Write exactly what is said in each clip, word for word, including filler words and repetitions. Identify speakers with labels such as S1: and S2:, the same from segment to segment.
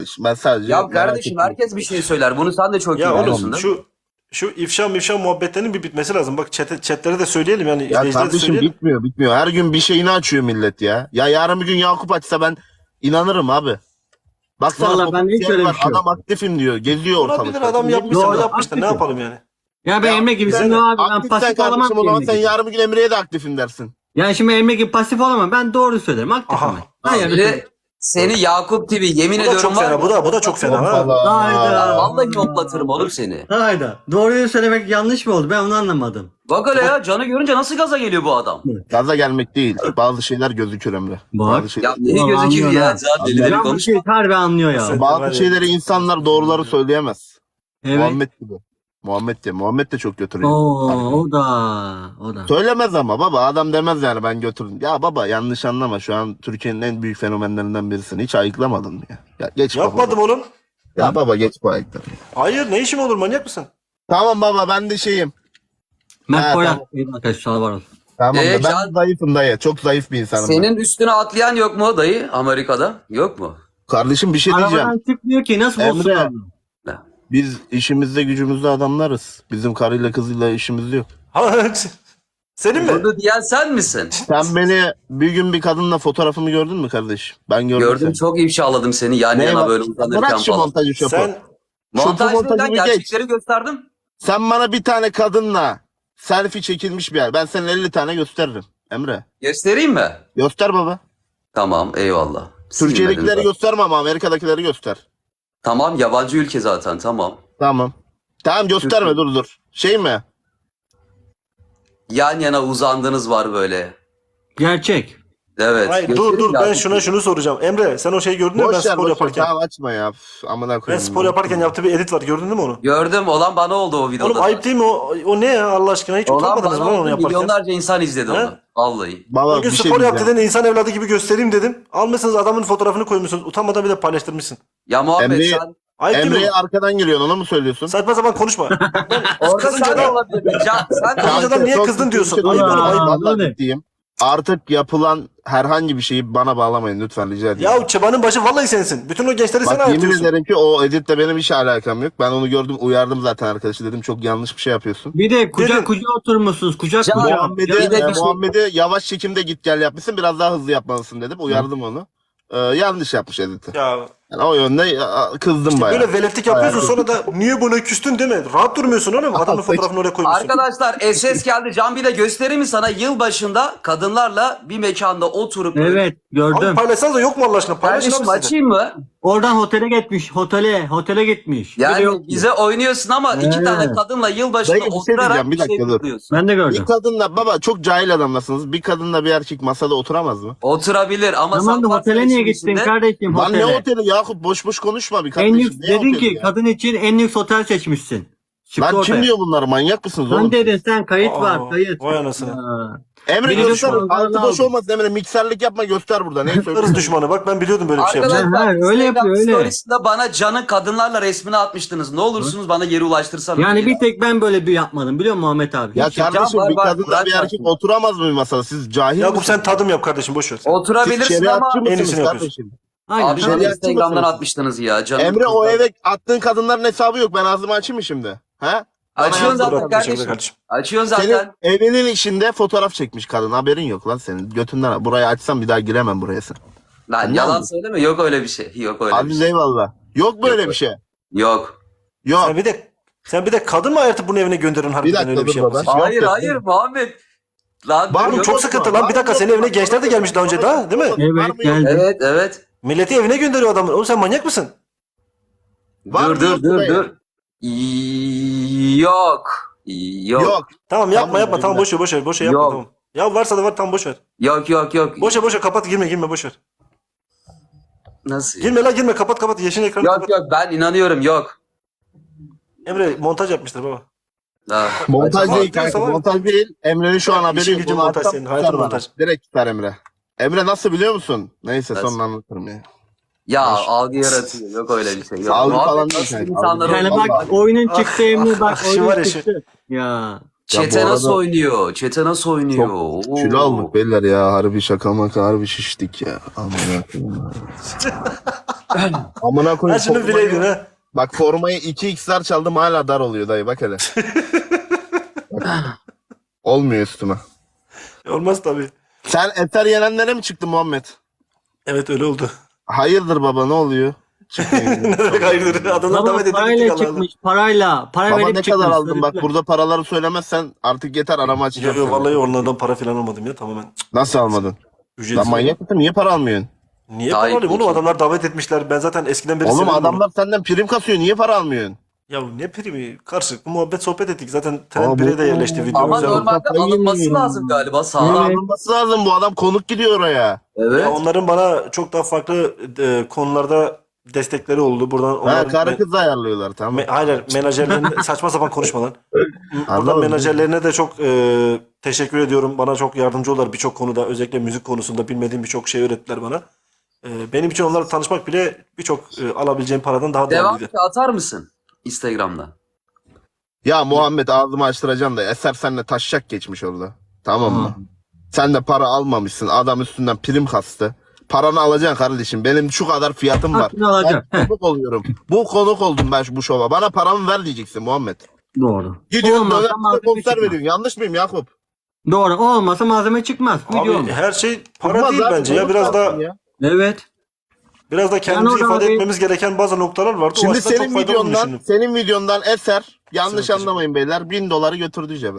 S1: Ben sadece
S2: Ya
S1: merak
S2: kardeşim
S1: ettim.
S2: herkes bir şey söyler. Bunu sen de çok iyi
S3: Ya
S2: biliyorsun
S3: oğlum
S2: değil mi?
S3: şu şu ifşa mifşa muhabbetlerinin bir bitmesi lazım. Bak chat, chatlere de söyleyelim yani
S1: Ya
S3: izleyicilere de
S1: kardeşim
S3: söyleyelim.
S1: bitmiyor bitmiyor. Her gün bir şeyini açıyor millet ya. Ya yarın bir gün Yakup açsa ben inanırım abi. Baksana
S4: Vallahi ben hiç
S1: potansiyel
S4: öyle bir
S1: var.
S4: şey yok.
S1: Adam aktifim diyor. Geziyor
S3: Olabilir,
S1: ortalıkta.
S3: adam
S1: Ne
S3: yapmışsa
S1: bileyim
S3: da
S4: Doğru,
S3: yapmıştır. Ne
S4: haklısın.
S3: yapalım yani?
S4: Ya ben
S1: Ya
S4: Emre gibi
S1: sen-
S4: sen abi ben
S1: aktifsen
S4: pasif olamam
S1: kardeşim
S4: ki
S1: o zaman
S4: Emre
S1: sen
S4: gibi.
S1: yarın bir gün Emre'ye de aktifim dersin.
S4: Yani şimdi Emre gibi pasif olamam. Ben doğru söylerim. Aktifim
S3: Aha.
S4: ben. Hayır.
S2: Seni, seni Yakup T V yemin
S3: Bu da
S2: ediyorum
S3: çok
S2: var
S3: fena.
S2: ya.
S3: Bu da bu da çok fena ha.
S4: Hayda.
S2: Vallahi hoplatırım oğlum seni.
S4: Hayda. Doğruyu söylemek yanlış mı oldu? Ben onu anlamadım.
S2: Bak öyle ya canı görünce nasıl gaza geliyor bu adam?
S1: Gaza gelmek değil. Bazı şeyler gözükür Emre.
S4: Bak.
S1: Bazı şeyler.
S2: Ya deli
S4: Ulan
S2: gözüküyor
S4: anlıyor
S2: ya.
S4: ha.
S2: Zaten deli deli
S4: Ya bu
S2: konuşma.
S4: şey harbi anlıyor ya.
S3: Sen-
S1: Bazı
S3: var ya.
S1: şeyleri insanlar doğruları söyleyemez.
S4: Evet.
S1: Muhammed gibi. Muhammed de. Muhammed de çok götürüyor.
S4: Oo, o da. O da.
S1: Söylemez ama baba adam demez yani ben götürdüm. Ya baba yanlış anlama şu an Türkiye'nin en büyük fenomenlerinden birisin. Hiç ayıklamadın mı ya? Ya geç baba.
S3: Yapmadım oğlum.
S1: Ya baba geç bu ayıkları.
S3: Hayır, ne işim olur, manyak mısın?
S1: Tamam baba ben de şeyim.
S4: Mert
S1: Ha,
S4: Koyak.
S1: tamam.
S4: İyi arkadaş var olsun.
S1: Tamam
S2: Ee,
S1: da ben
S2: Can-
S1: zayıfım dayı. Çok zayıf bir insanım. ben.
S2: Senin üstüne atlayan yok mu dayı Amerika'da? Yok mu?
S1: Kardeşim bir şey diyeceğim.
S4: Arabadan çıkmıyor ki nasıl
S1: Emre.
S4: olsun onu?
S1: Biz işimizde gücümüzde adamlarız. Bizim karıyla kızıyla işimiz yok.
S3: Ha, senin mi?
S2: Bunu diyen sen misin?
S1: Sen beni bir gün bir kadınla fotoğrafımı gördün mü kardeşim? Ben gördüm.
S2: Gördüm
S1: seni.
S2: çok ifşaladım seni yan
S1: Ne
S2: yana
S1: var?
S2: böyle uzanırken
S1: Bırak şu
S2: falan.
S1: montajı şopu.
S3: Sen
S2: Montaj
S1: Şopu
S2: değil lan
S1: montajını geç.
S2: gerçekleri gösterdim.
S1: Sen bana bir tane kadınla selfie çekilmiş bir yer. Ben sana elli tane gösteririm. Emre.
S2: Göstereyim mi?
S1: Göster baba.
S2: Tamam eyvallah. Silmedim
S1: Türkiye'dekileri
S2: zaten.
S1: gösterme ama Amerika'dakileri göster.
S2: Tamam yabancı ülke zaten tamam.
S1: Tamam. Tamam gösterme dur dur. Şey mi?
S2: Yan yana uzandınız var böyle.
S4: Gerçek.
S2: Evet.
S3: hayır, dur
S2: göstereyim
S3: dur
S2: ya.
S3: ben şuna şunu soracağım. Emre sen o şeyi gördün mü ben
S1: Boş ver
S3: spor
S1: boş ver.
S3: yaparken?
S1: Tamam açma ya. Üf, amına
S3: Ben
S1: koyayım.
S3: spor yaparken yaptığı bir edit var, gördün mü onu?
S2: Gördüm olan bana oldu o videoda.
S3: Oğlum ayıp değil mi o? O ne ya Allah aşkına, hiç
S2: Olan
S3: utanmadınız mı
S2: bana
S3: lan onu
S2: oldu
S3: yaparken?
S2: milyonlarca insan izledi
S3: He?
S2: onu. Vallahi.
S1: Baba
S3: O gün
S1: bir şey
S3: spor yap
S1: diyeceğim.
S3: dedin, insan evladı gibi göstereyim dedim. Almışsınız adamın fotoğrafını koymuşsunuz. Utanmadan bir de paylaştırmışsın.
S2: Ya Muhammed
S1: Emre'yi-
S2: sen
S3: Ayıp değil mi?
S1: Emre'ye arkadan giriyorsun onu mu söylüyorsun?
S3: Saçma sapan konuşma. Bak ben
S2: orada
S3: kızınca
S2: sen de
S3: da
S2: olabilirdin. Can, sen de
S3: Kızınca da niye
S1: çok
S3: kızdın
S1: ciddi
S3: diyorsun?
S1: bir şey
S3: Ayıp
S1: söylüyorum.
S4: oğlum,
S1: Ayıp,
S4: ayıp.
S1: vallahi
S4: Öyle.
S1: ciddiyim. Artık yapılan herhangi bir şeyi bana bağlamayın lütfen rica ediyorum.
S3: ya çabanın başı vallahi sensin. Bütün o gençleri sen
S1: Bak yemin
S3: ayırtıyorsun.
S1: ederim ki o editle benim hiç alakam yok. Ben onu gördüm uyardım zaten arkadaşı dedim çok yanlış bir şey yapıyorsun.
S4: Bir de kucak
S3: Dedim.
S4: kucağa oturmuşsunuz. Kucak
S2: Can-
S4: kucağa.
S1: Muhammed'i
S2: bir de
S1: e,
S2: bir şey-
S1: Muhammed'i yavaş çekimde git gel yapmışsın biraz daha hızlı yapmalısın dedim uyardım onu. Ee, yanlış yapmış editi.
S3: Ya
S1: Yani o yönde e, kızdım bayağı.
S3: böyle veletlik yapıyorsun
S1: Bayağı
S3: sonra da niye buna küstün değil mi? Rahat durmuyorsun oğlum. Adamın fotoğrafını oraya koymuşsun.
S2: Arkadaşlar S S geldi. Can bir de göstereyim mi sana? Yılbaşında kadınlarla bir mekanda oturup
S4: Evet
S3: Abi
S4: gördüm.
S3: paylaşsanız da yok mu Allah aşkına? Paylaşın
S2: Kardeşim
S3: abi siz de.
S2: açayım mı?
S4: Oradan otele gitmiş. Otele. Otele gitmiş. Bir de
S2: Yani
S4: yok.
S2: bize oynuyorsun ama iki
S4: Evet.
S2: tane kadınla yılbaşında
S1: Dayı, bir şey
S2: oturarak
S1: diyeceğim, bir
S2: bir şey
S1: dakika dur.
S2: kutluyorsun.
S4: Ben de gördüm.
S1: Bir kadınla baba çok cahil adamlasınız. Bir kadınla bir erkek masada oturamaz mı?
S2: Oturabilir ama
S4: Tamam da
S2: sen
S4: otele
S2: varsa
S4: niye
S2: işin
S4: gittin
S2: içinde-
S4: kardeşim
S1: Lan ne
S4: otele?
S1: oteli Yakup boş boş konuşma bir
S4: En
S1: kardeşim.
S4: lüks
S1: Ne
S4: dedin
S1: oteli
S4: ki
S1: ya?
S4: kadın için en lüks otel seçmişsin. Çıktı
S1: Lan
S4: ortaya.
S1: kim diyor bunları manyak mısınız oğlum?
S4: Sen dedin sen kayıt
S3: Aa,
S4: var kayıt.
S3: vay anasını.
S4: Ha.
S1: Emre
S4: Biri
S1: göster.
S4: düşman,
S1: Altı boş
S4: aldım.
S1: olmasın Emre. Mikserlik yapma göster burada. Ne
S3: Irz
S1: söylüyorsun?
S3: düşmanı bak ben biliyordum böyle bir şey yapacağını.
S2: Arkadaşlar
S4: Ha, öyle
S2: Instagram
S4: yapıyor, öyle.
S2: storiesinde bana Can'ın kadınlarla resmini atmıştınız. Ne olursunuz bana geri ulaştırsanız.
S4: Yani bir tek ben böyle bir yapmadım biliyor musun Muhammed abi?
S1: Ya
S4: Hiç-
S1: kardeşim
S2: Can var,
S1: bir
S2: var,
S1: kadınla
S2: bırak
S1: bir erkek
S2: artık.
S1: oturamaz mı bir masada? Siz cahil
S3: Yakup
S1: misiniz?
S3: sen tadım yap kardeşim boş ver.
S1: Siz
S2: Oturabilirsin
S1: şeriatçı
S2: ama
S3: En iyisini
S1: mısınız
S3: yapıyorsun.
S1: kardeşim?
S4: Aynen.
S2: abi
S1: şeriatçı
S2: bana
S1: mısınız?
S2: Instagram'dan atmıştınız ya. Canım
S1: Emre o
S2: kızlar.
S1: eve attığın kadınların hesabı yok. Ben ağzımı açayım mı şimdi? Ha?
S2: Açıyorsun
S1: Bana
S2: zaten
S3: Dur abi, teşekkür ederim
S2: kardeşim.
S3: kardeşim.
S2: Açıyorsun
S1: Senin
S2: zaten.
S1: evinin içinde fotoğraf çekmiş kadın. Haberin yok lan senin. Götünden burayı açsam bir daha giremem buraya sen.
S2: Lan
S1: Sen
S2: yalan
S1: yalnız.
S2: söyleme. Yok öyle bir şey. Yok öyle bir
S1: Aziz
S2: şey.
S1: eyvallah. Yok böyle
S2: Yok.
S1: bir şey.
S2: Yok.
S1: Yok.
S3: Sen bir de sen bir de kadın mı ayırtıp bunun evine gönderin harbiden
S1: dakika
S3: öyle bir
S1: dur
S3: şey
S1: baba.
S3: yapmasın.
S1: Yok
S2: Hayır
S1: yok,
S2: hayır
S1: yok.
S2: Muhammed. Lan
S1: Var
S3: Oğlum
S1: mı?
S3: çok
S1: Yok
S3: sıkıntı
S1: mu?
S3: lan.
S1: Var
S3: Bir dakika
S1: mı?
S3: senin evine gençler de gelmiş daha önce daha değil mi?
S4: Evet,
S1: Var mı?
S4: geldi.
S2: Evet evet.
S3: Milleti evine gönderiyor adamı. Oğlum sen manyak mısın?
S1: Var
S2: dur
S1: mı
S2: dur
S1: yok
S2: dur
S1: buraya?
S2: dur. Yok. Yok.
S1: Yok.
S3: Tamam yapma
S1: Tamam,
S3: yapma tamam
S1: evine.
S3: boş ver boş ver boş ver yapma
S2: Yok.
S3: tamam. Ya varsa da var tamam boş ver.
S2: Yok yok yok.
S3: Boş ver boş ver kapat girme girme boş ver.
S2: Nasıl?
S3: Girme la girme kapat kapat yeşil ekranı
S2: Yok
S3: kapat.
S2: yok ben inanıyorum yok.
S3: Emre montaj yapmıştır baba.
S2: Ha.
S1: Montaj
S3: Açma,
S1: değil kanka.
S3: diyorsa var.
S1: Montaj değil. Emre'nin şu an
S3: Bak,
S1: haberi
S3: işin
S1: yok.
S3: gücün
S1: Bunu
S3: montaj
S1: atsam
S3: senin,
S1: tutar
S3: hayatın
S1: bana.
S3: montaj.
S1: Direkt tutar Emre. Emre nasıl biliyor musun? Neyse
S2: Nasıl?
S1: sonra anlatırım ya.
S2: Ya algı yaratıyor. Yok öyle bir şey. Yok.
S1: Algı
S2: Muhammed
S1: falan değil
S2: nasıl
S1: kanka,
S2: insanlar
S1: algı.
S4: Yani
S2: oynuyor?
S4: bak oyunun
S3: Ah,
S4: çıktı Emre bak
S3: ah, şu var
S4: oyunun
S3: ya şu.
S4: çıktı. Ya.
S2: Çete
S1: Ya bu
S2: nasıl
S1: arada-
S2: oynuyor? Çete nasıl oynuyor?
S1: Çok
S2: Oo.
S1: kilo aldık beyler ya. Harbi şaka maka harbi şiştik ya. Aman Amına
S3: Ha
S1: koyayım.
S3: şunu
S1: formayı-
S3: bileydin ha.
S1: Bak formayı iki x'ler çaldım hala dar oluyor dayı bak hele. Bak. Olmuyor üstüme.
S3: Olmaz tabii.
S1: Sen Eser Yenenlere mi çıktın Muhammed?
S3: Evet öyle oldu.
S1: Hayırdır baba ne oluyor? Çıkmayın.
S3: Ne demek hayırdır? Adamlar
S4: Baba
S3: davet edildik
S4: parayla
S3: Allah Allah.
S4: çıkmış parayla. Para
S1: Baba
S4: verip
S1: ne
S4: çıkmış.
S1: kadar aldın bak
S4: Sözlükle.
S1: burada paraları söylemezsen artık yeter arama açacağım.
S3: Yok yok
S1: seni.
S3: vallahi onlardan para falan almadım ya tamamen.
S1: Nasıl almadın?
S3: Ücretsiz.
S1: Lan manyak mısın niye para almıyorsun?
S3: Niye
S2: Gayet
S3: para alayım oğlum?
S2: iyi.
S3: Adamlar davet etmişler. Ben zaten eskiden beri
S1: Oğlum
S3: severim
S1: adamlar senden prim kasıyor niye para almıyorsun?
S3: bunu. Ya ne primi? Karşılıklı muhabbet sohbet ettik. Zaten trend
S1: Aa,
S3: bire de
S1: bu-
S3: yerleşti video.
S2: Ama
S3: güzel oldu.
S2: normalde
S1: Kafayı
S2: alınması
S1: yiyeyim.
S2: lazım galiba
S1: Para
S2: sağlam.
S4: Evet.
S1: alınması lazım bu adam konuk gidiyor oraya.
S2: Evet.
S3: Ya onların bana çok daha farklı e, konularda destekleri oldu. Buradan
S1: Ha
S3: onların
S1: karı
S3: me-
S1: kız ayarlıyorlar tamam.
S3: me- hayır menajerlerine saçma sapan konuşma lan. Buradan
S1: Anladım.
S3: menajerlerine de çok e, teşekkür ediyorum. Bana çok yardımcı oldular birçok konuda. Özellikle müzik konusunda bilmediğim birçok şey öğrettiler bana. E, benim için onlarla tanışmak bile birçok e, alabileceğim paradan daha
S2: Devam
S3: değerliydi.
S2: ki atar mısın Instagram'da?
S1: Ya Muhammed ağzımı açtıracaksın da Eser seninle taşacak geçmiş orada. Tamam mı? Sen de para almamışsın. Adam üstünden prim kastı. Paranı alacaksın kardeşim. Benim şu kadar fiyatım var.
S4: Hakkını alacak.
S1: Ben konuk oluyorum. Bu konuk oldum ben şu- bu şova. Bana paramı ver diyeceksin Muhammed.
S4: Doğru.
S1: Gidiyorsun
S4: Olmazsa
S1: döner
S4: malzeme
S1: konser
S4: çıkmaz.
S1: veriyorsun. Yanlış mıyım Yakup?
S4: Doğru. O olmasa malzeme çıkmaz. Video
S3: Abi
S4: olmaz.
S3: her şey para
S1: Çıkmaz
S3: değil
S1: abi,
S3: bence ya.
S1: konuk
S3: Biraz
S1: lazım
S3: da
S1: ya.
S4: Evet.
S3: biraz da kendimizi
S4: orada
S3: ifade
S4: abi-
S3: etmemiz gereken bazı noktalar vardı. o
S1: Şimdi
S3: açıdan çok
S1: senin
S3: faydalı olduğunu
S1: videondan,
S3: düşündüm.
S1: senin videondan Eser yanlış
S3: Sana
S1: anlamayın beyler bin doları götürdü cebe.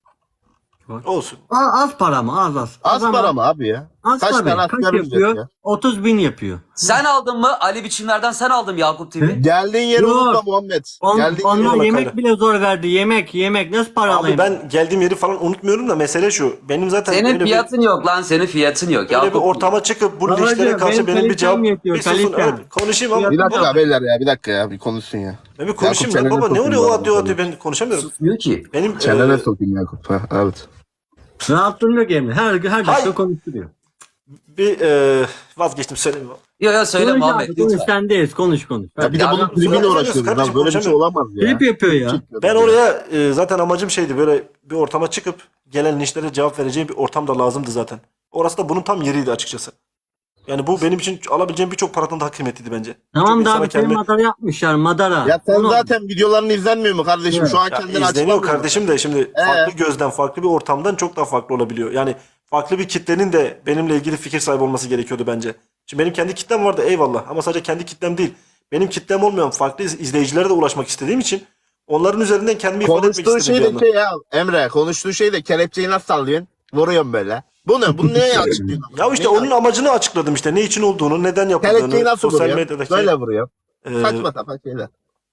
S3: Olsun.
S4: A- Az para mı? Az az.
S1: Az
S4: ama-
S1: para mı abi ya?
S4: Az
S1: Kaç
S4: para.
S1: tane
S4: Kaç
S1: asgari ücret
S4: yapıyor?
S1: ya?
S4: otuz bin yapıyor.
S2: Sen aldın mı? Ali Biçimler'den sen aldın mı Yakup T V?
S1: Geldiğin yeri
S4: Yok.
S1: unutma Muhammed.
S4: On,
S1: Geldiğin yeri
S4: onlar
S3: Eyvallah
S4: yemek
S3: Kayra.
S4: bile zor verdi. Yemek, yemek. Nasıl para
S3: Abi
S4: alayım?
S3: ben geldiğim yeri falan unutmuyorum da mesele şu. Benim zaten
S2: Senin
S3: öyle bir,
S2: fiyatın yok lan senin fiyatın yok.
S3: öyle bir
S2: Yakup.
S3: ortama çıkıp bu
S4: Babacığım,
S3: linçlere karşı
S4: benim
S3: benim bir
S4: kalitem
S3: cevap
S4: yetiyor,
S3: bir susun.
S4: kalitem.
S3: Evet, konuşayım ama
S1: Bir dakika beyler ya bir dakika ya bir konuşsun ya.
S3: ben bir konuşayım
S1: Yakup,
S3: lan baba
S1: çeneni
S3: ne oluyor o
S1: sokayım
S3: atıyor
S1: bana.
S3: atıyor ben konuşamıyorum.
S2: Susmuyor ki.
S3: Benim
S1: Çenene
S3: e,
S1: sokayım Yakup. Ha, evet.
S4: Rahat durmuyor ki Emre. Her, her dakika
S3: Hayır.
S4: konuşturuyor.
S3: bir e, vazgeçtim söylemiyorum.
S2: Yo yo söyle
S4: Konuş
S2: Muhammed
S4: abi, konuş,
S2: lütfen.
S4: sendeyiz. Konuş konuş.
S1: Ya bir de
S2: Ya
S1: bunun
S2: ben-
S1: tribiyle
S3: Konuşamıyoruz
S1: uğraşıyoruz.
S3: kardeşim,
S1: Lan böyle bir şey
S3: konuşamıyorum.
S1: olamaz ya.
S4: Klip yapıyor ya.
S3: Ben oraya e, zaten amacım şeydi böyle bir ortama çıkıp gelen linçlere cevap vereceğim bir ortam da lazımdı zaten. Orası da bunun tam yeriydi açıkçası. Yani bu benim için alabileceğim birçok paradan daha kıymetliydi bence.
S4: Tamam
S3: Çok
S4: da
S3: insana
S4: abi senin
S3: kendimi-
S4: madara yapmışlar madara.
S1: Ya sen
S4: Onu-
S1: zaten videoların izlenmiyor mu kardeşim?
S4: Evet.
S1: Şu an
S3: Ya
S1: kendini
S3: izleniyor
S1: açıklamıyor
S3: kardeşim de şimdi
S1: Ee?
S3: farklı gözden, farklı bir ortamdan çok daha farklı olabiliyor. Yani farklı bir kitlenin de benimle ilgili fikir sahibi olması gerekiyordu bence. Şimdi benim kendi kitlem vardı eyvallah ama sadece kendi kitlem değil. Benim kitlem olmayan farklı iz- izleyicilere de ulaşmak istediğim için onların üzerinden kendimi ifade etmek
S1: Konuştuğu
S3: istedim
S1: şey
S3: bir
S1: de
S3: yandan.
S1: şey ya Emre konuştuğu şey de kelepçeyi nasıl sallıyorsun? Vuruyorsun böyle. Bu ne? Bu neye açıklıyorsun?
S3: Ya işte
S1: Neyi
S3: onun amacını açıkladım işte. Ne için olduğunu, neden
S1: Kelepçeyi
S3: yapıldığını,
S1: nasıl
S3: sosyal
S1: vuruyor?
S3: medyadaki...
S1: Böyle vuruyor.
S3: e,
S1: Saçma sapan şeyler.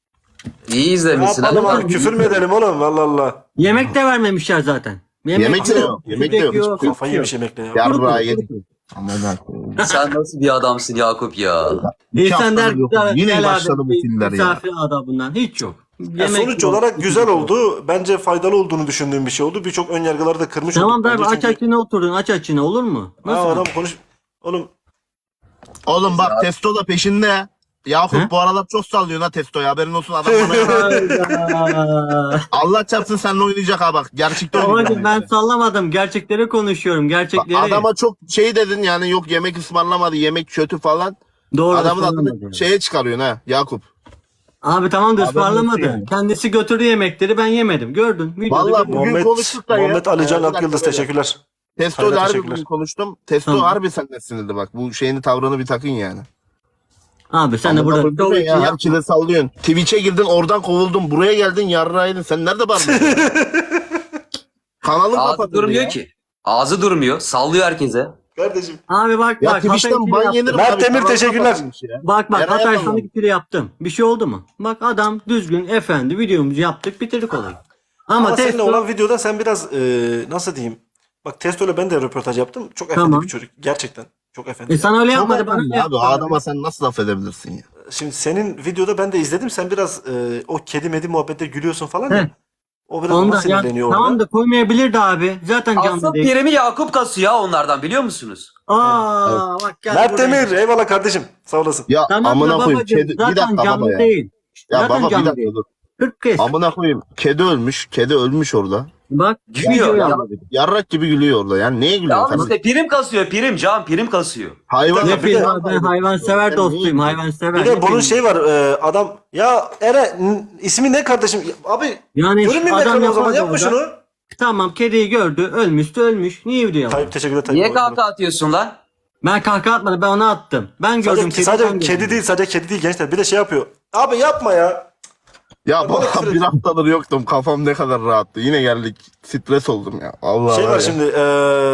S2: İyi
S3: ne
S2: izlemişsin.
S3: yapalım
S2: Hadi
S3: abi?
S2: bak.
S3: Küfür mü edelim oğlum? Allah Allah.
S4: Yemek de vermemişler zaten.
S1: Yemek de yok, yemek de yok, hiçbir şey yok.
S3: Kafayı yemiş yemekle ya.
S1: Yarrağı yedik. Aman Allah'ım.
S2: Sen nasıl bir adamsın Yakup ya?
S1: İki
S4: İnsan der
S1: haftadır yok.
S4: güzel-
S1: Yine
S4: güzel
S1: başladı
S4: abi,
S1: bu filmler ya.
S4: Misafir adabından hiç yok.
S3: Ya
S4: Yemek
S3: sonuç
S4: yok.
S3: olarak güzel oldu. Bence faydalı olduğunu düşündüğüm bir şey oldu. Birçok ön yargıları da kırmış
S4: Tamam
S3: olduk.
S4: da abi
S3: Bence
S4: aç
S3: çünkü-
S4: açına oturdun aç açına olur mu?
S3: Ha,
S4: Nasıl?
S3: adam konuş... Oğlum
S1: Oğlum bak Testo da peşinde. Yakup
S4: He?
S1: bu aralar çok sallıyor ha Testo'ya haberin olsun adam bana.
S4: Hayda.
S1: Allah çarpsın seninle oynayacak ha bak. Gerçekten oynayacak.
S4: Babacım ben sallamadım. Gerçekleri konuşuyorum. Gerçekleri.
S1: Adama çok şey dedin yani yok yemek ısmarlamadı yemek kötü falan.
S4: Doğru
S1: Adamın
S4: ısmarlamadı.
S1: adını şeye çıkarıyorsun ha Yakup.
S4: Abi tamam da
S1: Adam
S4: ısmarlamadı.
S1: nasıl yani?
S4: Kendisi götürdü yemekleri ben yemedim. Gördün. Videoda
S1: Vallahi
S4: gördün.
S1: Bugün
S3: Muhammed,
S1: konuştuk da ya.
S3: Muhammed Alican
S1: Ee, bir dakika
S3: Akyıldız
S1: böyle.
S3: teşekkürler.
S1: Testo
S3: Hayır,
S1: ile harbi
S3: teşekkürler.
S1: bugün konuştum. Testo
S4: Tamam.
S1: harbi senden sinirli bak. Bu şeyini tavrını bir takın yani.
S4: Abi sen de
S1: Amına
S4: burada
S1: koyayım
S4: şov
S1: ya,
S4: için yap.
S1: herkese sallıyorsun. Twitch'e girdin oradan kovuldun. Buraya geldin yarraydın. Sen nerede bağırıyorsun? Kanalın
S2: Ağzı
S1: kapatıldı
S2: durmuyor
S1: ya.
S2: ki. Ağzı durmuyor. Sallıyor herkese.
S3: Kardeşim.
S4: Abi bak
S1: Ya
S4: bak. Hatay
S1: Twitch'ten
S4: ikili
S1: ban
S4: yaptım.
S1: yenir mi
S3: Mert
S1: abi?
S3: Demir,
S1: Kanal
S3: teşekkürler.
S1: kapatılmış ya.
S4: Bak bak
S1: Eray
S4: Hatay
S1: yapamam.
S4: sana ikili yaptım. Bir şey oldu mu? Bak adam düzgün efendi videomuzu yaptık bitirdik olayı. Ama,
S3: Ama seninle
S4: testo
S3: olan videoda sen biraz e, nasıl diyeyim? Bak Testo'yla ben de röportaj yaptım. Çok efendi
S4: Tamam.
S3: bir çocuk. Gerçekten. Çok efendi.
S4: e sana öyle
S1: Çok
S4: yapmadı bana
S1: önemli
S4: öyle
S1: abi.
S4: yaptı.
S1: O adama sen nasıl laf edebilirsin ya?
S3: Şimdi senin videoda ben de izledim. Sen biraz e, o kedi medi muhabbette gülüyorsun falan
S4: He.
S3: ya. O biraz ona
S4: Ondan ya,
S3: sinirleniyor orada.
S4: tamam da koymayabilirdi abi. Zaten
S2: Asıl
S4: canlı değil.
S2: primi Yakup kasıyor ya onlardan biliyor musunuz?
S4: Aa bak gel
S3: Mert
S4: buraya.
S3: Demir eyvallah kardeşim. Sağ olasın.
S1: Ya
S4: Tamam
S1: amına
S4: da
S1: koyayım.
S4: babacığım
S1: Kedi, bir
S4: zaten
S1: dakika
S4: canlı
S1: baba ya.
S4: değil.
S1: Ya
S4: zaten
S1: baba bir
S4: canlı
S1: dakika
S4: değil.
S1: dur.
S4: kırk kez.
S1: Amına koyayım. Kedi ölmüş. Kedi ölmüş orada.
S4: Bak
S2: Gülüyor.
S4: video
S2: Ya,
S4: yaptık.
S1: Yarrak gibi gülüyor orada. Yani neye
S2: ya
S1: gülüyorsun?
S2: oğlum işte prim kasıyor prim Can prim kasıyor.
S1: Hayvan.
S3: Bir
S4: Ne
S3: de-
S4: film abi, ben hayvansever
S1: Sen
S4: dostuyum,
S1: neyi-
S4: hayvansever.
S3: Bir de
S4: Ne
S3: bunun
S4: filmi?
S3: şey var e, adam ya Eren n- ismi ne kardeşim? Abi
S4: Yani
S3: görünmeyeyim
S4: adam
S3: ekranı o zaman
S4: yapar
S3: yapma
S4: orada.
S3: şunu.
S4: Tamam, kediyi gördü, ölmüştü, ölmüş. Niye video yapar?
S3: Tayyip teşekkürler Tayyip.
S2: Niye kahkaha atıyorsun lan?
S4: Ben kahkaha atmadım, ben onu attım. Ben gördüm
S3: Sadece,
S4: kedi.
S3: sadece
S4: ben
S3: kedi
S4: gördüm.
S3: değil sadece kedi değil gençler bir de şey yapıyor. Abi yapma ya.
S1: Ya
S3: Bana
S1: baba
S3: küfür
S1: bir
S3: et.
S1: haftadır yoktum. Kafam ne kadar rahattı. Yine geldik. Stres oldum ya. Allah
S3: Şey
S1: var
S3: var
S1: ya.
S3: şimdi e,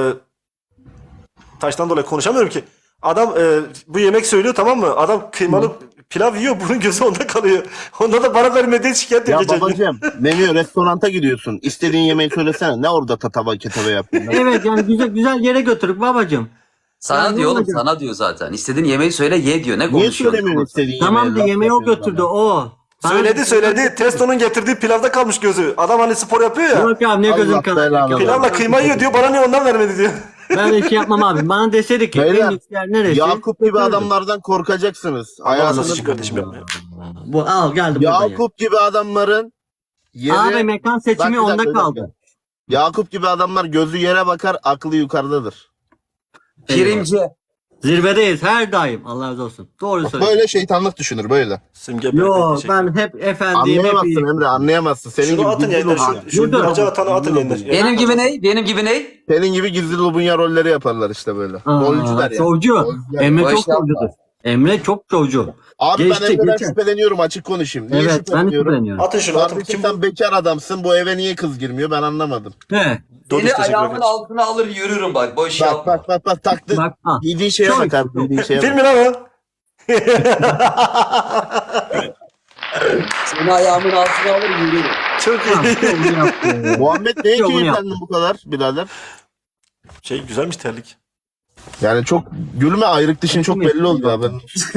S3: taştan dolayı konuşamıyorum ki. Adam e, bu yemek söylüyor tamam mı? Adam kıymalı pilav yiyor bunun gözü onda kalıyor. Onda da bana vermediği şikayet ediyor
S1: Ya
S3: geçen gün.
S1: babacığım menü restoranta gidiyorsun. İstediğin yemeği söylesene. Ne orada tatava ketava yapıyorsun?
S4: Evet yani güzel güzel yere götürük babacığım.
S2: Sana
S4: Ya,
S2: diyor oğlum
S4: olacak?
S2: sana diyor zaten. İstediğin yemeği söyle ye diyor. Ne
S1: Niye
S2: konuşuyorsun?
S1: söylemiyorsun istediğin
S4: Tamam
S1: yemeği?
S4: da yemeği o
S1: Laf yapıyorsun
S4: götürdü
S1: bana.
S4: o. Bana-
S3: Söyledi söyledi. Testo'nun getirdiği pilavda kalmış gözü. Adam hani spor yapıyor ya.
S4: Yok abi ne
S1: Allah
S4: gözüm
S1: belanı
S4: kanadı.
S1: versin.
S3: Pilavla kıyma yiyor diyor. Bana niye ondan vermedi diyor.
S4: Ben de şey yapmam abi. Bana deseydi ki
S1: Beyler,
S4: en lüks yer neresi?
S1: Yakup gibi
S4: Götürürdüm.
S1: adamlardan korkacaksınız.
S3: Allah razı
S1: Hayatınız
S3: olsun kardeşim yapma ya.
S4: Bu al geldi buradan ya.
S1: Yakup gibi adamların yeri...
S4: Abi mekan
S1: Bak,
S4: seçimi
S1: bir dakika,
S4: onda
S1: bir dakika.
S4: kaldı.
S1: Yakup gibi adamlar gözü yere bakar, aklı yukarıdadır.
S2: Primci.
S4: Zirvedeyiz her daim. Allah razı olsun. Doğru söylüyorsun.
S1: Böyle şeytanlık düşünür böyle.
S3: Simge
S4: Yo
S3: Berkay, teşekkür ederim.
S4: ben hep efendiyim. Hep
S1: Anlayamazsın
S4: iyiyim.
S1: Emre, anlayamazsın. Senin
S3: Şunu
S1: gibi
S3: atın
S1: gizli
S3: yayından.
S1: lobunya.
S3: Şu, şu
S4: Dur, dur.
S3: bacı atanı atın yayından.
S2: Benim gibi ne? Benim gibi ne?
S1: Senin gibi gizli lobunya rolleri yaparlar işte böyle.
S4: Aa,
S1: Rolcular ya.
S4: Şovcu.
S1: Rolcular.
S4: Emre
S2: O
S4: çok
S2: iş yapma.
S4: şovcudur. Emre çok şovcu.
S1: Abi
S4: Geçti,
S1: ben Emre'den
S4: geçen.
S1: şüpheleniyorum, açık konuşayım. Niye
S4: Evet ben de
S1: şüpheleniyorum?
S4: şüpheleniyorum.
S3: Atın şunu atın.
S1: Kardeşim
S3: Kim
S1: sen bekar adamsın, bu eve niye kız girmiyor ben anlamadım.
S4: He.
S3: Dobiş
S2: Seni
S3: teşekkür
S2: ayağımın
S3: ederim.
S2: altına alır yürürüm bak. Boş
S1: Bak
S2: yapma.
S1: bak bak bak taktı.
S4: Bak, ha.
S1: Giydiğin şeye
S4: Çok-
S1: bak abi, giydiğin şeye
S3: Film
S1: bak.
S3: mi lan o?
S2: Seni ayağımın altına alır yürürüm.
S3: Çok iyi.
S4: Şovcu yaptı.
S1: Muhammed neye
S4: Yok, bunu
S1: keyiflendin bu kadar birader?
S3: Şey güzelmiş terlik.
S1: Yani çok gülme, ayrık dişin çok belli oldu abi.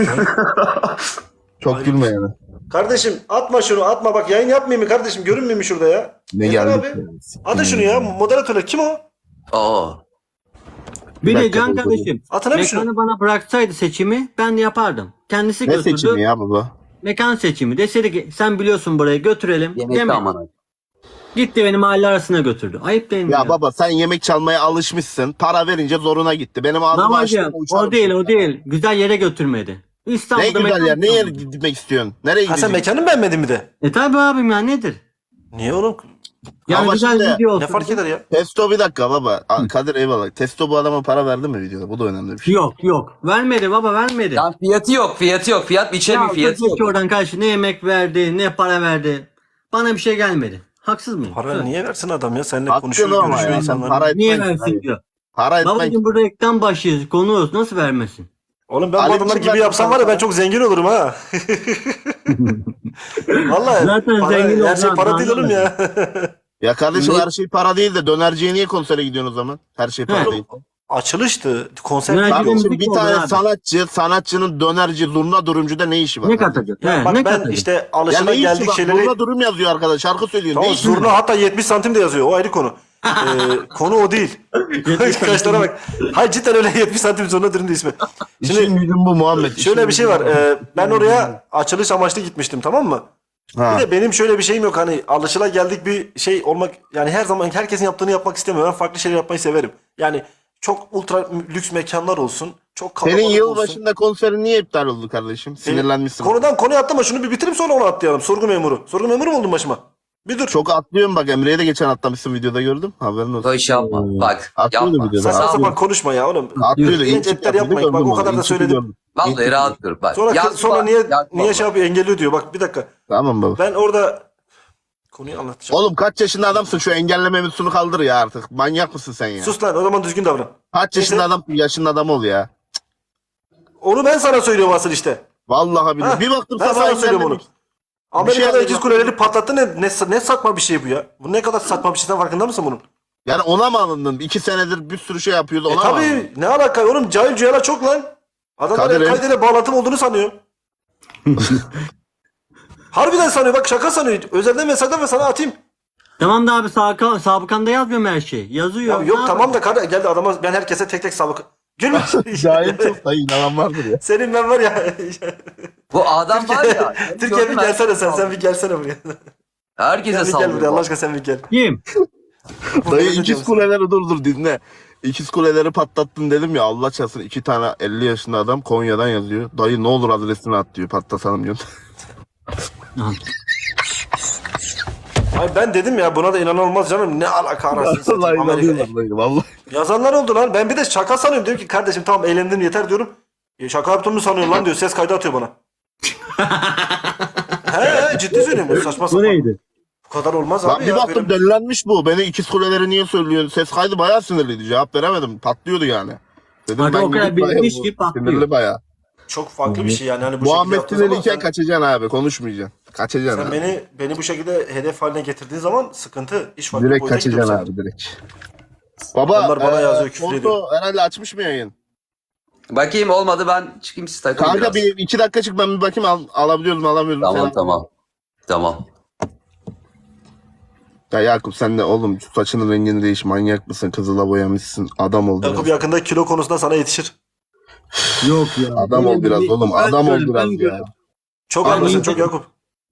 S1: Çok
S3: Ayrık
S1: gülme
S3: dişin.
S1: yani.
S3: Kardeşim atma şunu atma bak yayın yapmayayım mı kardeşim görünmüyor mu şurada ya?
S1: Ne
S3: Yeter
S1: geldik
S3: abi.
S1: ya.
S3: Atın şunu ya moderatörler kim o?
S2: Aa.
S4: Bir
S1: Bir
S4: de
S1: dakika,
S4: Can
S1: dur, dur,
S4: kardeşim.
S3: Atın abi şunu.
S4: Mekanı bana bıraksaydı seçimi ben de yapardım. Kendisi
S1: Ne
S4: götürdü.
S1: seçimi ya baba?
S4: Mekan seçimi. Deseydi ki sen biliyorsun burayı götürelim.
S2: Yemekte
S4: Yemek.
S2: aman.
S4: Gitti beni mahalle arasına götürdü. Ayıp değil mi?
S1: Ya baba sen yemek çalmaya alışmışsın. Para verince zoruna gitti. Benim ağzımı açtı.
S4: Babacığım o değil o değil. Güzel yere götürmedi.
S1: Ne
S4: İstanbul'da
S1: güzel
S4: mekan
S1: yer. Neye
S4: kalmadı.
S1: gitmek istiyorsun? Nereye
S3: Ha sen
S1: gideceksin?
S3: mekanı mı beğenmedin mi de?
S4: E tabi abim ya nedir?
S3: Niye oğlum?
S4: Yani
S1: Ama
S4: güzel
S1: şimdi
S4: video olsun.
S3: Ne fark eder ya?
S1: Testo bir dakika baba. Aa, Kadir eyvallah. Testo bu adama para verdi mi videoda? Bu da önemli bir şey.
S4: Yok yok. Vermedi baba vermedi.
S2: Lan fiyatı yok fiyatı yok. Fiyat biçemiyor
S4: ya
S2: fiyatı yok.
S4: ki oradan karşı ne yemek verdi ne para verdi. Bana bir şey gelmedi. Haksız mıyım?
S3: Para
S4: Söyle.
S3: niye versin adam ya? Seninle
S1: Haklı
S3: konuşuyor,
S1: ama
S3: görüşüyor
S1: ya. Sen
S3: insanlar.
S1: para
S4: Niye
S1: etmen.
S4: versin diyor.
S1: Para etmen.
S4: Babacığım burada reklam başıyız. Konuğuz. Nasıl vermesin?
S3: Oğlum ben bu
S1: Ali
S3: adamlar
S1: için
S3: gibi
S1: ben
S3: yapsam
S1: sana
S3: var ya ben
S1: para-
S3: çok zengin olurum ha. Vallahi
S4: Zaten
S3: para,
S4: zengin
S3: her şey
S4: olacağım,
S3: para değil oğlum ya.
S1: Ya kardeşim
S2: Ne-
S1: her şey para değil de dönerciye niye konsere gidiyorsun o zaman? Her şey para
S4: He.
S1: değil.
S3: Açılıştı. Konser.
S4: Dönerci
S3: Abi,
S4: de
S1: Kardeşim
S4: müzik
S1: bir
S4: oldu
S1: tane
S4: abi.
S1: sanatçı, sanatçının dönerci, zurna durumcuda ne işi var?
S4: Ne
S1: kardeşim?
S4: katacak?
S3: ya
S4: He,
S3: bak
S4: ne
S3: ben
S4: katacak?
S3: işte
S1: Ya
S3: alışıla
S1: ne işi
S3: geldik
S1: var?
S3: şeyleri.
S1: Zurna durum yazıyor arkadaş. Şarkı söylüyor.
S3: Tamam
S1: ne işi
S3: zurna
S1: var?
S3: hatta yetmiş santim de yazıyor. O ayrı konu. Ee, konu o değil. Kaşlara bak. Hayır cidden öyle yetmiş santim zurna dürüm de ismi.
S1: İşin
S3: Şimdi
S1: gücün bu Muhammed.
S3: şöyle
S1: işin
S3: bir şey
S1: gücün
S3: var.
S1: bu.
S3: Ee, ben oraya açılış amaçlı gitmiştim tamam mı?
S1: Ha.
S3: Bir de benim şöyle bir şeyim yok hani alışıla geldik bir şey olmak yani her zaman herkesin yaptığını yapmak istemiyorum. Ben farklı şeyler yapmayı severim. Yani çok ultra lüks mekanlar olsun. Çok kalabalık
S1: Senin
S3: olsun.
S1: yılbaşında konserin niye iptal oldu kardeşim? Sinirlenmişsin.
S3: Konudan konuya atlama şunu bir bitirip sonra onu atlayalım. Sorgu memuru. Sorgu memuru mu oldun başıma? Bir dur.
S1: Çok atlıyorum bak, Emre'ye de geçen atlamışsın, videoda gördüm. Haberin olsun.
S2: Boş yapma. Bak
S1: Atlıyordu
S2: yapma.
S1: videoda.
S3: Saçma
S1: Atlıyor.
S3: sapan konuşma ya oğlum.
S1: Atlıyordu.
S3: Genç
S1: İlk çık
S3: etler
S1: yapıyordu,
S3: yapmayın. Bak
S1: gördüm
S3: o kadar
S1: onu.
S3: da
S1: İlk çıkı
S3: söyledim.
S1: gördüm. İlk
S2: Vallahi
S1: çıkı
S2: rahat
S1: gördüm.
S2: dur bak.
S3: Sonra
S2: Yazma,
S3: sonra niye
S2: yapma
S3: niye
S2: bak.
S3: şey yapıyor engelliyor diyor. Bak bir dakika.
S1: Tamam baba.
S3: Ben orada konuyu anlatacağım.
S1: Oğlum kaç yaşında adamsın, şu engelleme mevzusunu kaldır ya artık. Manyak mısın sen ya?
S3: Sus lan o zaman düzgün davran.
S1: Kaç yaşında
S3: Neyse.
S1: adam, yaşında adam ol ya.
S3: Onu ben sana söylüyorum asıl işte.
S1: Vallahi billahi.
S3: Ha,
S1: Bir baktım
S3: ben
S1: sabah
S3: sana söylüyorum onu.
S1: engellemiş.
S3: Amerika'da
S1: şey
S3: ikiz
S1: anladım.
S3: kuleleri patlattı ne, ne, ne saçma bir şey bu ya. Bu ne kadar saçma bir şey sen farkında mısın bunun?
S1: Yani ona mı alındın? İki senedir bir sürü şey yapıyordu,
S3: E
S1: ona mı alındın?
S3: tabi ne alaka oğlum cahil cühala çok lan. Adamlar
S1: Kadir
S3: El-Kaide ile bağlantım olduğunu sanıyor. Harbiden sanıyor bak şaka sanıyor. Özelden mesajdan ve sana atayım.
S4: Tamam da abi sabıka, sabıkanda yazmıyorum her şeyi. Yazıyor.
S3: Ya yok
S4: Ne
S3: tamam da kardeş geldi adama ben herkese tek tek sabık. Gülme.
S1: Cahil çok da inanan vardır ya.
S3: Senin ben var ya.
S2: Bu adam var ya.
S3: Türkiye bir gelsene sen sen bir gelsene buraya.
S2: Herkese
S3: Sen bir gel buraya Allah
S2: sallıyor.
S3: aşkına sen bir gel.
S4: Kim?
S1: Dayı
S3: Böyle
S1: ikiz
S3: diyorsun.
S1: kuleleri dur dur dinle. İkiz kuleleri patlattın dedim ya, Allah çarpsın iki tane elli yaşında adam Konya'dan yazıyor. Dayı ne olur adresini at diyor, patlatalım diyor.
S3: Ay ben dedim ya buna da inanılmaz canım. Ne alaka arasını
S1: Vallahi
S3: satayım Amerika.
S1: inanıyorlar dayı vallahi.
S3: Yazanlar oldu lan. Ben bir de şaka sanıyorum. Diyorum ki kardeşim tamam eğlendim yeter diyorum. E, şaka yaptığımı sanıyorum lan diyor. Ses kaydı atıyor bana. he he ciddi söylüyorum. Bu saçma
S4: Bu
S3: sapan.
S4: neydi?
S3: Bu kadar olmaz
S1: Lan
S3: abi
S1: bir
S3: ya.
S1: baktım
S3: Benim-
S1: delilenmiş bu. Beni ikiz kuleleri niye söylüyorsun? Ses kaydı bayağı sinirliydi. Cevap veremedim. Patlıyordu yani. Dedim
S4: Hadi o kadar
S1: gidip dayı,
S4: bilmiş
S1: bu
S4: ki patlıyor.
S1: Sinirli bayağı.
S3: Çok farklı bir şey yani. Hani bu şekilde
S1: Muhammed
S3: yaptığın zaman
S1: sinirliyken
S3: sen,
S1: kaçacaksın abi. Konuşmayacaksın. Kaçacaksın
S3: sen
S1: abi.
S3: beni beni bu şekilde hedef haline getirdiğin zaman sıkıntı. İş farklı
S1: Direkt
S3: boyuta gidiyor
S1: kaçacaksın
S3: sen.
S1: abi direkt. Baba
S3: Adamlar bana
S1: e,
S3: yazıyor, küfür
S1: Porto
S3: ediyor.
S1: herhalde açmış mı yayın?
S2: Bakayım olmadı ben çıkayım siz takılın
S1: Kanka
S2: biraz.
S1: bir iki dakika çık, ben bir bakayım al, alabiliyoruz mu alamıyoruz mu?
S2: Tamam
S1: falan.
S2: tamam. Tamam.
S1: Ya Yakup sen de oğlum şu saçının rengini değiş, manyak mısın? Kızıla boyamışsın. Adam ol
S3: Yakup
S1: biraz.
S3: yakında kilo konusunda sana yetişir.
S4: Yok ya.
S1: Adam ol biraz oğlum.
S4: Ben
S1: Adam ol
S4: görüyorum,
S1: biraz
S4: ben
S1: ya.
S4: görüyorum.
S3: Çok
S1: Abi,
S3: haklısın
S1: iyi
S3: çok
S4: dedim.
S3: Yakup.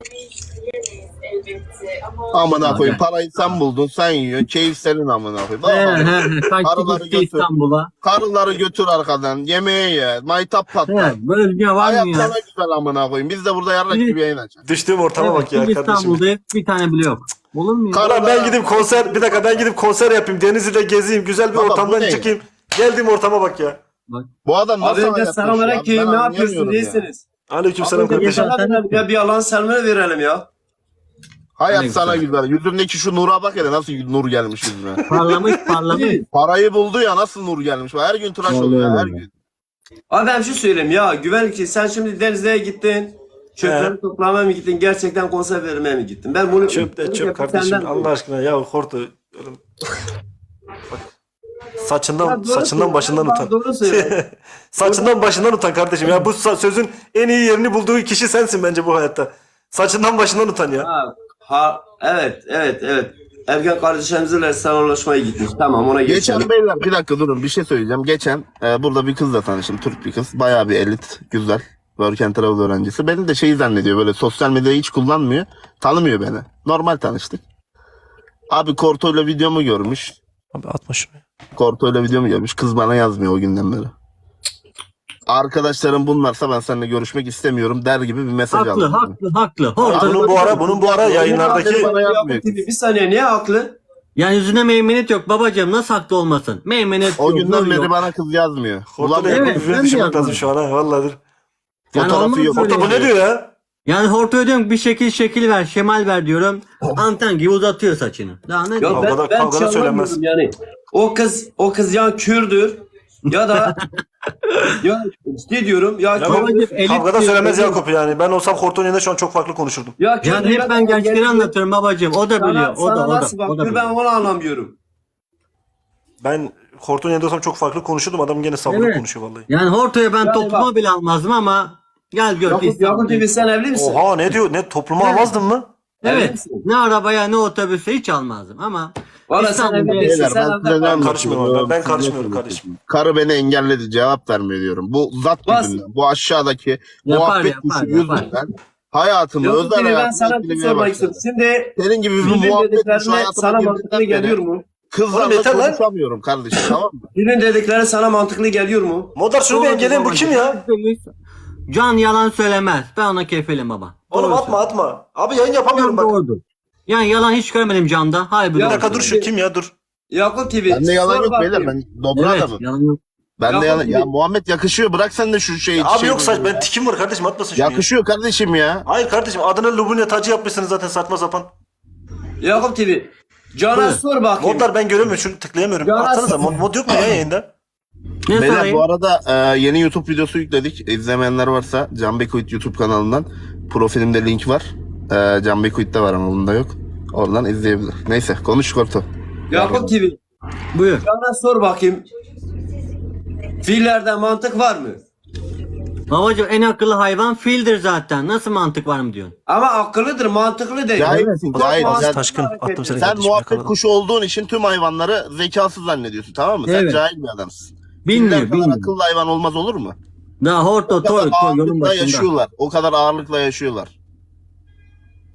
S1: Amına koyayım, parayı sen buldun, sen yiyorsun. Keyif senin amına koyayım.
S4: He
S1: Vallahi.
S4: he he. Kaçtı
S1: Araları
S4: gitti
S1: götür.
S4: İstanbul'a.
S1: Karıları götür arkadan. Yemeğe ye. Maytap patlar.
S4: He, böyle dünya var
S1: Hayat
S4: mı ya?
S1: sana güzel amına koyayım. Biz de burada yarrak
S4: Bir-
S1: gibi yayın açacağız.
S3: Düştüğüm ortama
S4: Evet,
S3: bak ya
S4: biz
S3: kardeşim.
S4: İstanbul'da bir tane bile yok. Olur mu ya?
S1: Kar-
S3: Karan ben gidip konser bir dakika ben gidip konser yapayım. Denizli'de gezeyim. Güzel bir
S1: Baba, bu
S3: ortamdan
S1: ne?
S3: çıkayım. Geldiğim ortama bak ya.
S1: Bu adam nasıl
S5: Abi önce
S1: hayat
S5: selam
S1: yaşıyor abi?
S5: aleyküm,
S1: Ben
S5: ne yapıyorsunuz,
S1: anlayamıyorum ya.
S5: iyisiniz?
S3: Aleykümselam
S5: Abi önce
S3: kardeşim.
S5: sana verelim ya, bir Allah'ın selamını verelim ya.
S1: Hayat
S4: Ne
S1: sana
S4: güzel.
S1: güzel. Yüzündeki şu nura bak hele, nasıl nur gelmiş yüzüne.
S4: Parlamış parlamış.
S1: Parayı buldu ya, nasıl nur gelmiş. Her gün tıraş
S4: Vallahi
S1: oluyor her
S4: öyle.
S1: gün.
S5: Abi ben şu söyleyeyim ya, güvenlik sen şimdi Denizli'ye gittin. Çöpleri
S3: He.
S5: toplamaya mı gittin, gerçekten konser vermeye mi gittin? Ben bunu
S3: Çöp de
S5: bunu
S3: çöp
S5: yapıp
S3: kardeşim.
S5: senden-
S3: Allah aşkına ya Hortu. Oğlum. Bak. Saçından
S5: Ya doğru
S3: saçından
S5: söyle,
S3: başından
S5: bak,
S3: utan.
S5: doğru söyle.
S3: Saçından başından utan kardeşim. Ya bu sa- sözün en iyi yerini bulduğu kişi sensin bence bu hayatta. Saçından başından utan ya.
S5: Ha, ha, evet, evet, evet. Ergen kardeşlerimizle selamlaşmaya gitmiş. Tamam, ona geçelim.
S1: Geçen beyler bir dakika durun, bir şey söyleyeceğim. Geçen e, burada bir kızla tanıştım. Türk bir kız. Bayağı bir elit. Güzel. Work and Travel öğrencisi. Beni de şey zannediyor, böyle sosyal medyayı hiç kullanmıyor. Tanımıyor beni. Normal tanıştık. Abi Korto'yla videomu görmüş.
S3: Abi atma şunu.
S1: Korto'yla videomu görmüş. Kız bana yazmıyor o günden beri. Arkadaşlarım bunlarsa ben seninle görüşmek istemiyorum der gibi bir mesaj
S4: Haklı
S1: aldım.
S4: haklı haklı.
S3: Ya
S4: Horta.
S3: bunun bu ara bunun bu ara yayınlardaki
S1: bana
S5: Ya,
S1: yapmıyor.
S5: bir saniye, niye haklı?
S4: Yani yüzüne meymenet yok babacığım, nasıl haklı olmasın? Meymenet
S1: O
S4: yok.
S1: günden
S4: nur
S1: beri
S4: yok.
S1: bana kız yazmıyor.
S3: Hortu'da
S1: Bulamıyorum.
S4: Evet,
S3: evet,
S4: ben de
S3: düşünmek
S4: yazmadım.
S3: lazım şu an ha vallahi. dur.
S4: Yani
S1: Fotoğrafı
S4: olmaz
S1: yok.
S4: böyle
S3: Hortu bu
S4: ya.
S3: ne diyor ya?
S4: Yani Horto'ya diyorum ki bir şekil şekil ver, şemal ver diyorum. Anten gibi uzatıyor saçını. Daha ne
S5: Ya
S4: diyeyim?
S5: ben,
S3: Kavgada-
S5: ben
S3: kavgada
S5: şey
S3: söylenmez.
S5: anlamıyorum yani. O kız, o kız ya Kürdür ya da ya ne diyorum ya,
S3: Ya
S5: Kürdür.
S4: Babacım, elit
S3: Kavgada
S4: diyor,
S3: söylemez
S4: elit.
S3: Yakup yani. Ben olsam Hortu'nun yerinde şu an çok farklı konuşurdum.
S5: Ya Kürdür
S4: Yani
S5: ya
S4: hep
S5: da
S4: ben gençleri
S5: yani-
S4: anlatıyorum babacığım. O da biliyor.
S5: Sana,
S4: O da
S5: sana
S4: o da.
S5: nasıl
S4: O da
S5: bakıyor, ben
S4: biliyor.
S5: onu anlamıyorum.
S3: Ben Hortu'nun yerinde olsam çok farklı konuşurdum. Adam gene sabırlı
S4: Evet.
S3: konuşuyor vallahi.
S4: Yani Horto'ya ben
S5: Yani
S4: topluma
S5: bak-
S4: bile almazdım ama gel gör.
S5: Yakup,
S4: İstanbul'da-
S5: Yakup T V sen evli misin?
S3: Oha ne diyor? Ne topluma
S4: Evet.
S3: almazdın mı?
S5: Evli
S4: Evet.
S5: misin?
S4: Ne arabaya ne otobüse hiç almazdım ama
S5: Valla sen
S4: İstanbul'da
S5: evli
S4: beyler,
S5: değilsin.
S1: Beyler,
S5: Sen
S1: ben
S5: evde
S1: size ne
S5: kal.
S1: anlatıyorum?
S3: Karışmıyorum ben, ben
S1: Siz ne
S3: karışmıyorum
S1: söylüyorsunuz?
S3: kardeşim.
S1: Karı beni engelledi, cevap vermiyor diyorum. Bu zat
S5: Bas.
S1: yüzünden. Bu aşağıdaki
S4: Yapar,
S1: muhabbet
S4: yapar,
S1: kuşu
S4: yapar.
S1: yüzünden. Hayatımı,
S5: Yakup
S1: özel
S5: T V, ben
S1: hayatımı
S5: sana bir şey
S1: etkilemeye
S5: sormak
S1: başladı.
S5: istiyorum. Şimdi
S1: Senin gibi bir
S5: Dilin
S1: muhabbet kuşu
S5: dediklerine
S1: hayatıma
S5: sana mantıklı
S1: girdiğinden
S5: geliyor
S1: beri
S5: mu?
S3: Oğlum
S1: kızlarla
S3: yeter lan.
S1: konuşamıyorum kardeşim, tamam mı?
S5: Dilin dedikleri sana mantıklı geliyor mu?
S3: Modar şunu bir
S4: Doğru
S3: engelleyin bu
S4: babacığım.
S3: kim ya?
S4: Can yalan söylemez. Ben ona kefilim baba.
S3: Oğlum
S4: Doğru
S3: atma atma. Abi yayın yapamıyorum
S4: Can
S3: bak.
S4: doğrudur. Yani yalan hiç görmedim Can'da. Harbi
S3: Bir
S5: Ya
S3: dakika
S4: doğru.
S3: dur şu kim ya dur.
S5: Yakup T V.
S1: Bende yalan
S5: sor
S1: yok
S5: bakayım.
S1: beyler, ben dobra
S4: Evet,
S1: adamım.
S4: yalan yok.
S1: Bende
S5: Yakup
S1: yalan.
S5: gibi.
S1: Ya Muhammed yakışıyor, bırak sen de şu şeyi.
S3: Abi
S1: şey-
S3: yok saç ben tikim var kardeşim atmasın şunu ya.
S1: Yakışıyor kardeşim ya.
S3: Hayır kardeşim adına Lubunya tacı yapmışsınız zaten saçma sapan.
S5: Yakup T V. Can'a
S4: Buyur.
S5: sor bakayım.
S3: Modlar ben göremiyorum şunu tıklayamıyorum.
S5: Ya
S3: Atsanıza
S5: nasıl-
S3: mod, mod yok mu ya yayında?
S4: Ne
S1: Beyler
S4: sorayım?
S1: bu arada e, yeni YouTube videosu yükledik. İzlemeyenler varsa Can Bekuit YouTube kanalından profilimde link var. E, Can Bekuit'te var ama bunda yok. Oradan izleyebilir. Neyse konuş Korto.
S5: Yakup T V.
S4: Buyur.
S5: Can'a sor bakayım. Fiillerde mantık var mı?
S4: Babacım en akıllı hayvan fildir zaten. Nasıl mantık var mı diyorsun?
S5: Ama akıllıdır, mantıklı değil.
S1: Cahilsin, cahil.
S5: Mantıklı
S1: Sen,
S3: Taşkın
S5: hareket
S3: attım seni
S5: ediyor.
S1: sen
S3: kardeşim,
S1: muhabbet
S3: yakaladım.
S1: kuşu olduğun için tüm hayvanları zekasız zannediyorsun, tamam mı? Sen
S4: Evet.
S1: cahil bir adamsın.
S4: Bilmiyor,
S1: Filler kadar
S4: bilmiyor.
S1: akıllı hayvan olmaz olur mu?
S4: Daha horto
S1: O kadar
S4: toy toy yolun
S1: ağırlıkla
S4: başında.
S1: yaşıyorlar. O kadar ağırlıkla yaşıyorlar.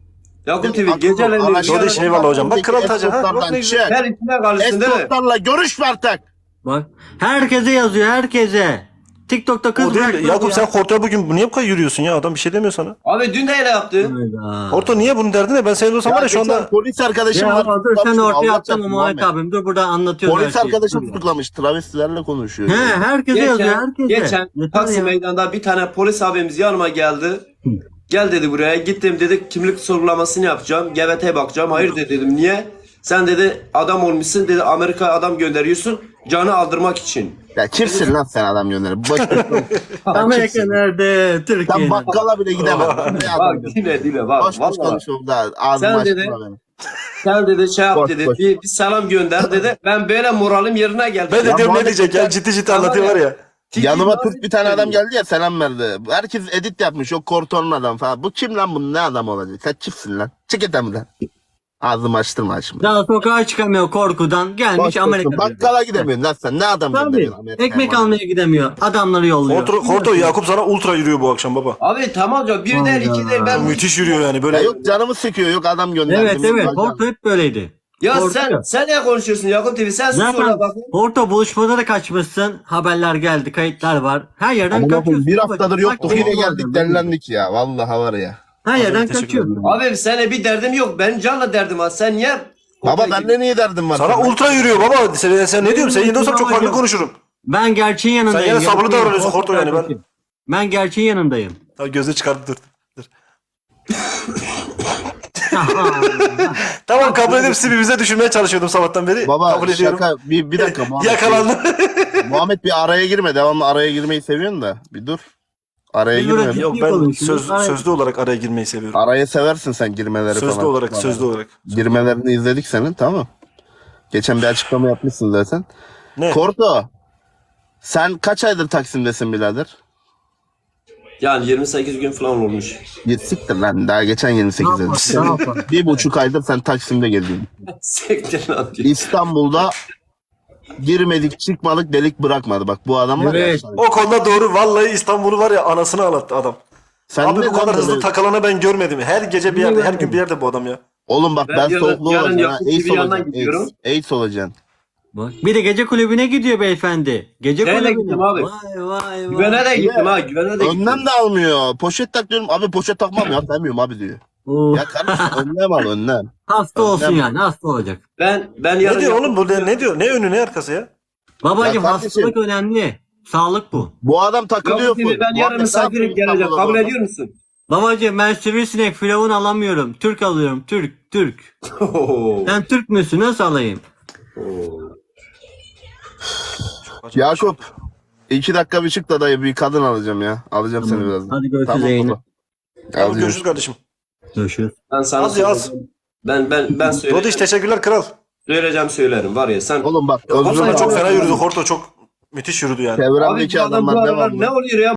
S5: Yakup T V
S1: Akıllı,
S5: geceleri
S1: araştır.
S3: Kardeş, eyvallah hocam. Bak kral tacı, ha,
S1: Eskortlardan
S3: bak ne güzel.
S1: çık.
S5: her içine karışsın değil mi?
S1: Eskortlarla görüşme artık.
S4: Bak herkese yazıyor herkese. TikTok'ta kız
S3: O değil.
S4: bırakmadı
S3: Yakup
S4: ya.
S3: sen Korto'ya bugün niye bu kadar yürüyorsun ya? Adam bir şey demiyor sana.
S5: Abi dün de öyle yaptı.
S4: Hayda.
S3: Korto niye bunun derdi ne? Ben senin olsam var ya şu
S1: geçen
S3: anda.
S1: polis arkadaşım
S4: Ya
S1: var.
S4: dur sen
S1: tutuklamış,
S4: ortaya
S1: Allah
S4: atsana
S1: çarpsın
S4: Muhammed
S1: Muhammed.
S4: abim. Dur burada anlatıyoruz
S1: Polis
S4: her şeyi.
S1: arkadaşım
S4: Dur.
S1: tutuklamış. Travestilerle konuşuyor.
S4: He herkese yazıyor
S5: Geçen,
S4: herkese.
S5: geçen
S4: Yeter
S5: Taksim
S4: ya.
S5: Meydanı'nda bir tane polis abimiz yanıma geldi. Gel dedi buraya. Gittim dedi kimlik sorgulamasını yapacağım. G B T'ye bakacağım. Hayır de dedim. Niye? Sen dedi adam olmuşsun dedi Amerika adam gönderiyorsun canı aldırmak için.
S1: Ya kimsin lan sen adam gönderip? Boş ver.
S4: Amerika nerede?
S1: Sen
S4: Türkiye'de.
S1: bakkala bile gidemezsin. Ne
S5: Bak
S1: adam
S5: dile dile bak.
S1: Boş boş
S5: Vallahi.
S1: konuşuyorum da ağzımı
S5: Sen
S1: açtırma
S5: dedi-
S1: beni.
S5: Sen dedi şey yap
S1: Boş,
S5: dedi.
S1: boş.
S5: Bir, bir selam gönder dedi. Ben böyle moralim yerine geldi.
S3: Ben de
S1: Ya
S3: diyorum ne
S1: Muhammed
S3: diyecek ya?
S1: sen-
S3: Ciddi ciddi
S5: Tamam
S3: anlatıyor
S5: ya.
S3: var ya.
S5: Tiki
S1: Yanıma
S5: nasıl
S1: Türk bir tane adam
S5: geliyor?
S1: geldi ya selam verdi. Herkes edit yapmış. O Korton'un adam falan. Bu kim lan bunun ne adam olacak? Sen kimsin lan? Çık et lan. Ağzımı açtırma şimdi.
S4: Daha sokağa çıkamıyor korkudan. Gelmiş
S1: Boş
S4: Amerika'da.
S1: boşsun. Bakkala gidemiyorsun lan sen. Ne adam
S4: Tabii.
S1: gönderiyorsun Amerika'ya?
S4: Ekmek
S1: bana?
S4: almaya gidemiyor. Adamları yolluyor.
S3: Korto, Korto Yakup sana ultra yürüyor bu akşam baba.
S5: Abi tamam canım. Bir der
S4: Hayda.
S5: iki der ben.
S3: Müthiş yürüyor yani
S1: Ya
S3: böyle.
S1: yok canımı sıkıyor. Yok adam gönderdi.
S4: Evet evet. Porto hep böyleydi.
S5: Ya
S4: Korkuyor.
S5: sen sen ne konuşuyorsun Yakup T V? Sen sus
S4: Zaten
S5: orada bak.
S4: Porto buluşmada da kaçmışsın. Haberler geldi, kayıtlar var. Her yerden
S1: Amına
S4: kaçıyorsun.
S1: koyayım, bir haftadır yoktuk.
S4: Bak,
S1: Yine
S4: bak,
S1: geldik
S4: bak.
S1: delilendik ya. Vallahi var ya.
S4: Her yerden
S3: Teşekkür
S4: kaçıyorsun.
S5: Abi seninle bir derdim yok. Benim canla derdim var. Sen niye?
S1: Baba bende niye derdim var?
S3: Sana
S1: senin?
S3: ultra yürüyor baba. Sen, sen ne diyorsun? Sen yine olsam çok farklı konuşurum.
S4: Ben gerçeğin yanındayım.
S3: Sen yine sabırlı
S4: Gerçeğin-
S3: davranıyorsun Korto yani, ben-
S4: kardeşim. Ben gerçeğin yanındayım.
S3: Tamam gözünü çıkardı dur. dur. Tamam kabul edip sizi bize düşürmeye çalışıyordum sabahtan beri.
S1: Baba
S3: kabul ediyorum.
S1: şaka bir, bir dakika Muhammed.
S3: Yakalandım.
S1: Muhammed bir araya girme. Devamlı araya girmeyi seviyorsun da. Bir dur. Araya
S4: Bir
S1: girme.
S4: bırak-
S3: Yok ben söz, sözlü olarak araya girmeyi seviyorum.
S1: Araya seversin sen girmeleri
S3: Sözlü
S1: falan.
S3: olarak, sözlü olarak.
S1: Girmelerini izledik senin tamam. Geçen bir açıklama yapmışsın zaten.
S3: Ne?
S1: Korto. Sen kaç aydır Taksim'desin birader?
S5: Yani yirmi sekiz gün falan olmuş.
S1: Git siktir lan daha geçen yirmi sekizde.
S4: Ne yapalım?
S1: Bir buçuk aydır sen Taksim'de geziyorsun.
S5: Sektir lan diyor.
S1: İstanbul'da girmedik çıkmadık delik bırakmadı. Bak bu adam var
S4: Evet.
S1: ya.
S3: O konuda doğru. Vallahi İstanbul'u var ya anasını ağlattı adam.
S1: Sen
S3: Abi
S1: ne
S3: bu kadar
S1: lan
S3: hızlı
S1: böyle-
S3: takılanı ben görmedim. Her gece bir yerde, her gün bir yerde bu adam ya.
S1: Oğlum bak
S5: Ben
S1: ben,
S5: yarın-
S1: soğukluğu
S5: yarın
S1: olacaksın ha.
S5: Yakup gibi
S1: AIDS
S5: yandan
S1: olacaksın.
S5: gidiyorum.
S1: AIDS, AIDS olacaksın.
S4: Bak, bir de gece kulübüne gidiyor beyefendi. Gece
S5: Nereye
S4: kulübüne.
S5: gittim abi?
S4: Vay vay vay.
S5: Güvene de gittim ha. Güvene de gittim.
S1: Önlem de almıyor. Poşet tak diyorum. Abi poşet takmam ya. Demiyorum abi diyor.
S4: Oo,
S1: Ya kardeşim önlem al önlem.
S4: hasta olsun
S1: önlem-
S4: yani hasta olacak.
S5: Ben ben yarın
S3: Ne diyor oğlum
S5: Yakup-
S3: bu? Ne, ne diyor? Ne önü ne arkası ya?
S4: Babacım
S1: Ya kardeşim-
S4: hastalık önemli. Sağlık bu.
S1: Bu adam takılıyor.
S5: Yakup T V
S1: full.
S5: ben yarın
S1: Muhammed, ne
S5: misafirim
S1: yapıyorsun
S5: geleceğim.
S1: İstanbul'da
S5: Kabul
S1: bu adam?
S5: ediyor musun?
S4: Babacım ben sivrisinek firavun alamıyorum. Türk alıyorum. Türk. Türk. Sen Türk müsün? Nasıl alayım?
S1: Yakup. iki dakika bir çık da dayı bir kadın alacağım ya. Alacağım seni
S4: Tamam.
S1: birazdan.
S4: Hadi görüşürüz
S1: Tamam
S4: yayını.
S1: baba.
S3: Tamam,
S1: Alacağım.
S3: görüşürüz kardeşim.
S4: Görüşürüz.
S5: Ben sana
S3: Az ya, az.
S5: söyleyeceğim. Ben ben ben
S3: Rodiş
S5: söyleyeceğim.
S3: teşekkürler kral.
S5: Söyleyeceğim söylerim var ya sen.
S1: Oğlum bak.
S5: Vallahi
S1: özür
S3: Çok
S1: dilerim.
S3: fena yürüdü. Korto çok müthiş yürüdü yani.
S5: Abi
S1: Çevremdeki
S5: bu adam bu
S1: adamlar ne var
S5: aralar
S1: mı?
S5: ne oluyor ya?